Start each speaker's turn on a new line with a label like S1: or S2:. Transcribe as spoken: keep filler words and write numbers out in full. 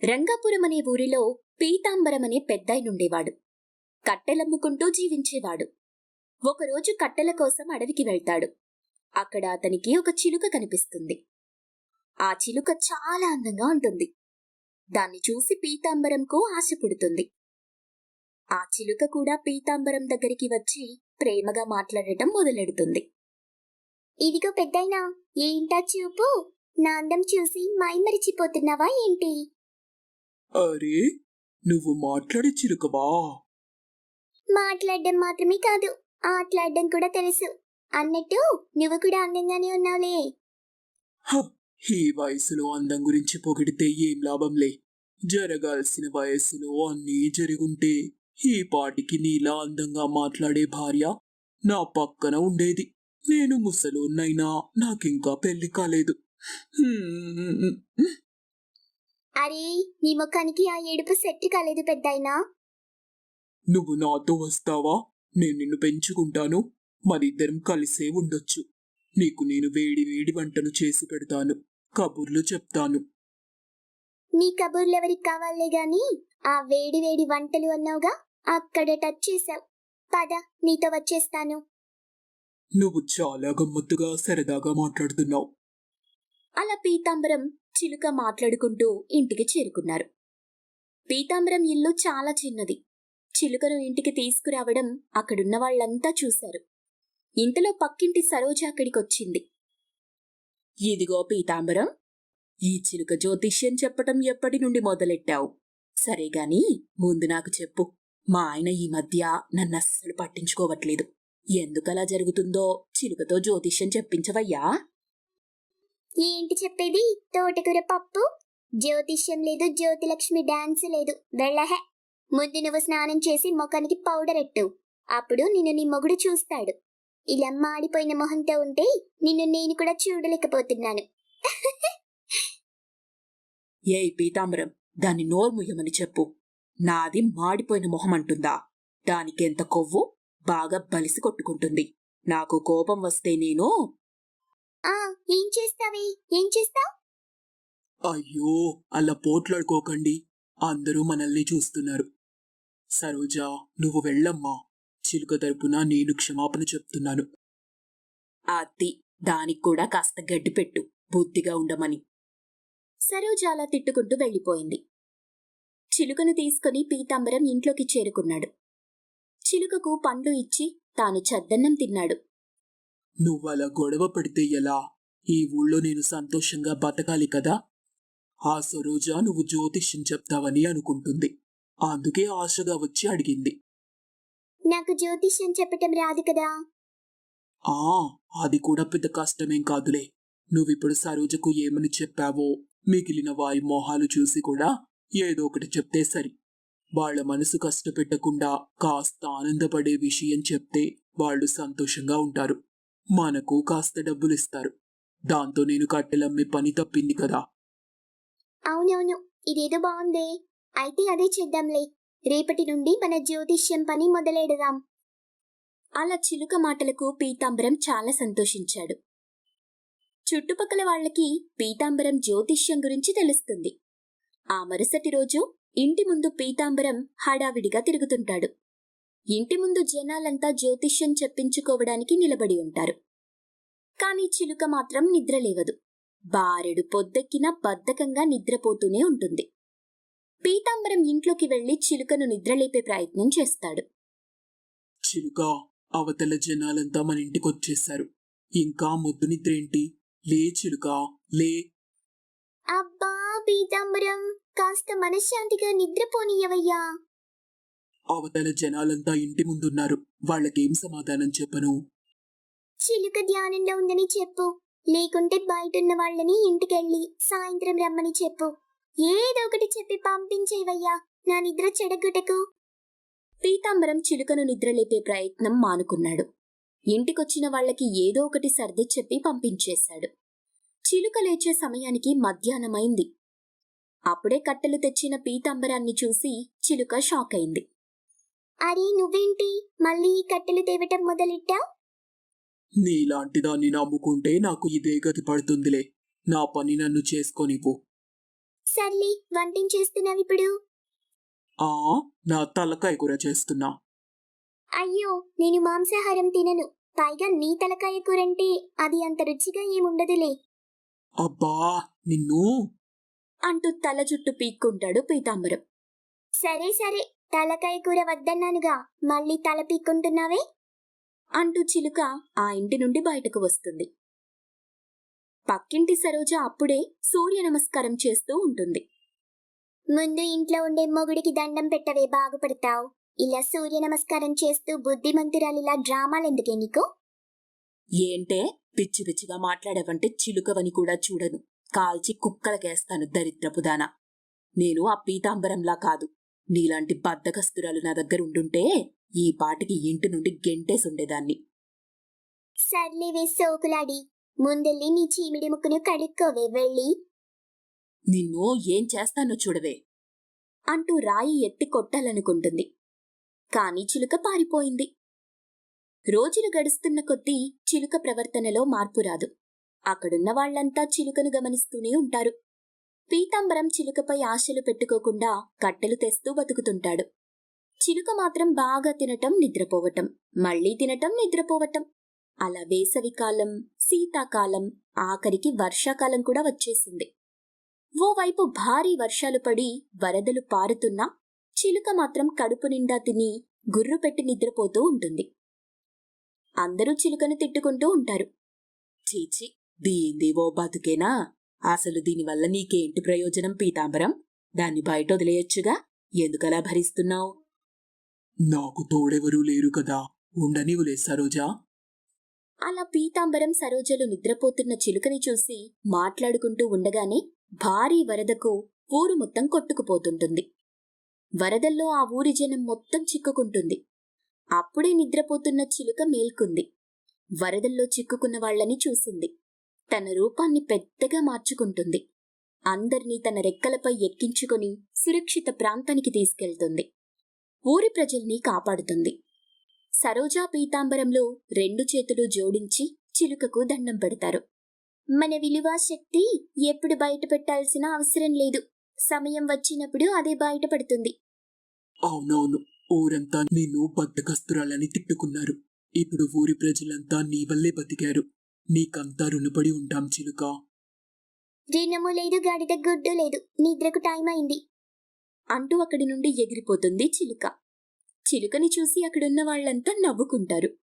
S1: రంగాపురం అనే ఊరిలో పీతాంబరం అనే పెద్దాయనుండేవాడు. కట్టెలమ్ముకుంటూ జీవించేవాడు. ఒకరోజు కట్టెల కోసం అడవికి వెళ్తాడు. అక్కడ అతనికి ఒక చిలుక కనిపిస్తుంది. ఆ చిలుక చాలా అందంగా ఉంటుంది. దాన్ని చూసి పీతాంబరంకు ఆశ పుడుతుంది. ఆ చిలుక కూడా పీతాంబరం దగ్గరికి వచ్చి ప్రేమగా మాట్లాడటం మొదలెడుతుంది.
S2: ఇదిగో పెద్దయినా, ఏంటా చూపు? నా అందం చూసి మైమరిచిపోతున్నావా ఏంటి?
S3: అరే, నువ్వు మాట్లాడే చిలుకవా?
S2: మాట్లాడడం మాత్రమే కాదు, ఆటలాడడం కూడా తెలుసు. అన్నట్టు నువ్వు కూడా అందంగానే ఉన్నావులే.
S3: హ, ఈ వయసులో అందం గురించి పొగిడితే ఏం లాభంలే. జరగాల్సిన వయసులో అన్నీ జరుగుంటే ఈ పాటికి నీలా అందంగా మాట్లాడే భార్య నా పక్కన ఉండేది. నేను ముసలోన్నైనా నాకింకా పెళ్లి కాలేదు. హ్మ్.
S2: అరే, నీ ముఖానికి ఆ ఏడుపు సెట్ కాలేదు పెద్దయినా.
S3: నువ్వు నాతో వస్తావా? నేను నిన్ను పెంచుకుంటాను. మరిద్దరం కలిసే ఉండొచ్చు. నీకు నేను వేడి వేడి వంటలు చేసి పెడతాను, కబుర్లు చెప్తాను.
S2: నీ కబుర్లెవరికి కావాలే గాని ఆ వేడి వేడి వంటలు అన్నావుగా, అక్కడ టచ్ చేశావు. పద, నీతో వచ్చేస్తాను.
S3: నువ్వు చాలా గమ్మత్తుగా సరదాగా మాట్లాడుతున్నావు.
S1: అలా పీతాంబరం, చిలుక మాట్లాడుకుంటూ ఇంటికి చేరుకున్నారు. పీతాంబరం ఇల్లు చాలా చిన్నది. చిలుకను ఇంటికి తీసుకురావడం అక్కడున్న వాళ్లంతా చూశారు. ఇంతలో పక్కింటి సరోజ అక్కడికొచ్చింది. ఇదిగో పీతాంబరం, ఈ చిలుక జ్యోతిష్యం చెప్పటం ఎప్పటి నుండి మొదలెట్టావు? సరేగాని ముందు నాకు చెప్పు. మా ఆయన ఈ మధ్య నన్నస్సలు పట్టించుకోవట్లేదు. ఎందుకలా జరుగుతుందో చిలుకతో జ్యోతిష్యం చెప్పించవయ్యా?
S2: ఏంటి చెప్పేది? తోటకూర పప్పు, జ్యోతిష్యం లేదు, జ్యోతిలక్ష్మి డాన్స్ లేదు. వెళ్ళహే. ముందు నువ్వు స్నానం చేసి ముఖానికి పౌడర్ ఎట్టు. అప్పుడు నిన్ను నీ మొగుడు చూస్తాడు. ఇలా మాడిపోయిన మొహంతో ఉంటే నిన్ను నేను కూడా చూడలేకపోతున్నాను.
S1: ఏయ్ పీతాంబరం, దాన్ని నోర్ముయ్యమని చెప్పు. నాది మాడిపోయిన మొహం అంటుందా? దానికెంత కొవ్వు, బాగా బలిసి కొట్టుకుంటుంది. నాకు కోపం వస్తే నేను
S2: ఆ ఏం చేస్తావే? ఏం చేస్తావ్?
S3: అయ్యో, అలా పోట్లాడుకోకండి. అందరూ మనల్ని చూస్తున్నారు. సరోజా, నువ్వు వెళ్ళమ్మా. చిలుక తరపున నేను క్షమాపణ చెప్తున్నాను.
S1: అత్తి, దానికి కూడా కాస్త గడ్డి పెట్టు, బుద్ధిగా ఉండమని. సరోజ అలా తిట్టుకుంటూ వెళ్ళిపోయింది. చిలుకను తీసుకుని పీతాంబరం ఇంట్లోకి చేరుకున్నాడు. చిలుకకు పండ్లు ఇచ్చి తాను చద్దన్నం తిన్నాడు.
S3: నువ్వలా గొడవ పడితే ఎలా? ఈ ఊళ్ళో నేను సంతోషంగా బతకాలి కదా. ఆ సరోజ నువ్వు జ్యోతిష్యం చెప్తావని అనుకుంటుంది. అందుకే ఆశగా వచ్చి అడిగింది.
S2: నాకు జ్యోతిష్యం చెప్పటం రాదు కదా.
S3: ఆ అది కూడా పెద్ద కష్టమేం కాదులే. నువ్విప్పుడు సరోజకు ఏమని చెప్పావో మిగిలిన వారి మొహాలు చూసి కూడా ఏదో ఒకటి చెప్తే సరి. వాళ్ల మనసు కష్టపెట్టకుండా కాస్త ఆనందపడే విషయం చెప్తే వాళ్ళు సంతోషంగా ఉంటారు. మనకు కాస్త డబ్బులిస్తారు. దాంతో నేను కట్టెలమ్మే పని తప్పింది కదా.
S2: అవునవును, ఇదేదో బాగుందే. అయితే అదే చేద్దాంలే. రేపటి నుండి మన జ్యోతిష్యం పని మొదలెడదాం.
S1: అలా చిలుక మాటలకు పీతాంబరం చాలా సంతోషించాడు. చుట్టుపక్కల వాళ్లకి పీతాంబరం జ్యోతిష్యం గురించి తెలుస్తుంది. ఆ మరుసటి రోజు ఇంటి ముందు పీతాంబరం హడావిడిగా తిరుగుతుంటాడు. ఇంటి ముందు జనాలంతా జ్యోతిష్యం చెప్పించుకోవడానికి నిలబడి ఉంటారు. కాని చిలుక మాత్రం నిద్రలేవదు. బారెడు పొద్దెక్కినా బద్ధకంగా నిద్రపోతూనే ఉంటుంది. పీతాంబరం ఇంట్లోకి వెళ్లి చిలుకను నిద్రలేపే ప్రయత్నం చేస్తాడు.
S3: చిలుక, అవతల జనాలంతా మన ఇంటికొచ్చేశారు. ఇంకా ముద్దు నిద్రేంటి? లే చిలుక, లే.
S2: అబ్బా పీతాంబరం, కాస్త మనశ్శాంతిగా నిద్రపోనీయవయ్యా.
S3: అవతల జనాలంతా ఇంటి ముందున్నారు. వాళ్ళకేం సమాధానం చెప్పను?
S2: చిలుక ధ్యానంలో ఉందని చెప్పు. లేకుంటే బయటున్న వాళ్ళని ఇంటికెళ్ళి సాయంత్రం రమ్మని చెప్పు. ఏదో ఒకటి చెప్పి పంపించేవయ్యా, నా నిద్ర చెడగొట్టకు.
S1: పీతాంబరం చిలుకను నిద్రలేపే ప్రయత్నం మానుకున్నాడు. ఇంటికొచ్చిన వాళ్లకి ఏదో ఒకటి సర్ది చెప్పి పంపించేశాడు. చిలుక లేచే సమయానికి మధ్యాహ్నమైంది. అప్పుడే కట్టెలు తెచ్చిన పీతాంబరాన్ని చూసి చిలుక షాక్ అయింది.
S2: అరే, నువ్వేంటి మళ్ళీ ఈ కట్టెలు తేవటం మొదలెట్టావ్?
S3: నీలాంటి దాన్ని నమ్ముకుంటే నాకు ఇదే గతి పడుతుందిలే. నా పని నన్ను చేసుకోనివ్వు.
S2: సర్లే వంటేం చేస్తున్నావు ఇప్పుడు?
S3: ఆ నా తలకాయ కూర చేస్తున్నా.
S2: అయ్యో, నేను మాంసాహారం తినను. పైగా నీ తలకాయ కూరంటే అది అంత రుచిగా ఏముండదులే.
S3: అబ్బా నిన్ను.
S1: అంటూ తల జుట్టు పీక్కుంటాడు పీతాంబరం.
S2: సరే సరే, తలకాయ కూర వద్దన్నానుగా, మళ్ళీ తల పీక్కుంటున్నావే?
S1: అంటూ చిలుక ఆ ఇంటి నుండి బయటకు వస్తుంది. పక్కింటి సరోజ అప్పుడే సూర్య నమస్కారం చేస్తూ ఉంటుంది.
S2: ముందు ఇంట్లో ఉండే మొగుడికి దండం పెట్టవే, బాగుపడతావు. ఇలా సూర్య నమస్కారం చేస్తూ బుద్ధిమంతురాలిలా డ్రామాలెందుకే నీకు?
S1: ఏంటే పిచ్చి పిచ్చిగా మాట్లాడేవంటే చిలుకవని కూడా చూడను, కాల్చి కుక్కలకేస్తాను దరిద్రపుదానా. నేను ఆ పీతాంబరంలా కాదు. నీలాంటి బద్దకస్తురాలు నా దగ్గర ఉండుంటే ఈ పాటికి ఇంటి నుండి గెంటేసుండేదాన్ని.
S2: సర్లేవే సోకులాడి, ముందెళ్ళి నీ చీమిడి ముక్కును కడుక్కోవే వెళ్ళి.
S1: నిన్ను ఏం చేస్తానో చూడవే అంటూ రాయి ఎత్తి కొట్టాలనుకుంటుంది. కాని చిలుక పారిపోయింది. రోజులు గడుస్తున్న కొద్దీ చిలుక ప్రవర్తనలో మార్పు రాదు. అక్కడున్న వాళ్లంతా చిలుకను గమనిస్తూనే ఉంటారు. పీతాంబరం చిలుకపై ఆశలు పెట్టుకోకుండా కట్టెలు తెస్తూ బతుకుతుంటాడు. చిలుక మాత్రం బాగా తినటం, నిద్రపోవటం, మళ్లీ తినటం, నిద్రపోవటం. అలా వేసవికాలం, శీతాకాలం, ఆఖరికి వర్షాకాలం కూడా వచ్చేసింది. ఓవైపు భారీ వర్షాలు పడి వరదలు పారుతున్నా చిలుక మాత్రం కడుపు నిండా తిని గుర్రు పెట్టి నిద్రపోతూ ఉంటుంది. అందరూ చిలుకను తిట్టుకుంటూ ఉంటారు. చీచి, దీంది ఓ బతుకేనా? అసలు దీనివల్ల నీకేంటి ప్రయోజనం పీతాంబరం? దాన్ని బయట వదిలేయొచ్చుగా, ఎందుకలా భరిస్తున్నావు?
S3: నాకు తోడెవరూ లేరు కదా, ఉండనివులే సరోజా.
S1: అలా పీతాంబరం సరోజలు నిద్రపోతున్న చిలుకని చూసి మాట్లాడుకుంటూ ఉండగానే భారీ వరదకు ఊరు మొత్తం కొట్టుకుపోతుంటుంది. వరదల్లో ఆ ఊరి జనం మొత్తం చిక్కుకుంటుంది. అప్పుడే నిద్రపోతున్న చిలుక మేల్కుంది. వరదల్లో చిక్కుకున్న వాళ్లని చూసింది. తన రూపాన్ని పెద్దగా మార్చుకుంటుంది. అందర్నీ తన రెక్కలపై ఎక్కించుకుని సురక్షిత ప్రాంతానికి తీసుకెళ్తుంది. ఊరి ప్రజల్ని కాపాడుతుంది. సరోజా పీతాంబరంలో రెండు చేతులు జోడించి చిలుకకు దండం పెడతారు.
S2: మన విలువ శక్తి ఎప్పుడు బయట పెట్టాల్సిన అవసరం లేదు. సమయం వచ్చినప్పుడు అదే బయటపడుతుంది.
S3: అవునవును, ఊరంతా నిన్ను బద్దకస్తురాలని తిట్టుకున్నారు. ఇప్పుడు ఊరి ప్రజలంతా నీ వల్లే బతికారు. నీకంతా రుణపడి ఉంటాం చిలుక.
S2: రుణము లేదు, గాడిద గుడ్డు లేదు. నిద్రకు టైం అయింది
S1: అంటూ అక్కడి నుండి ఎగిరిపోతుంది చిలుక. చిలుకని చూసి అక్కడున్న వాళ్లంతా నవ్వుకుంటారు.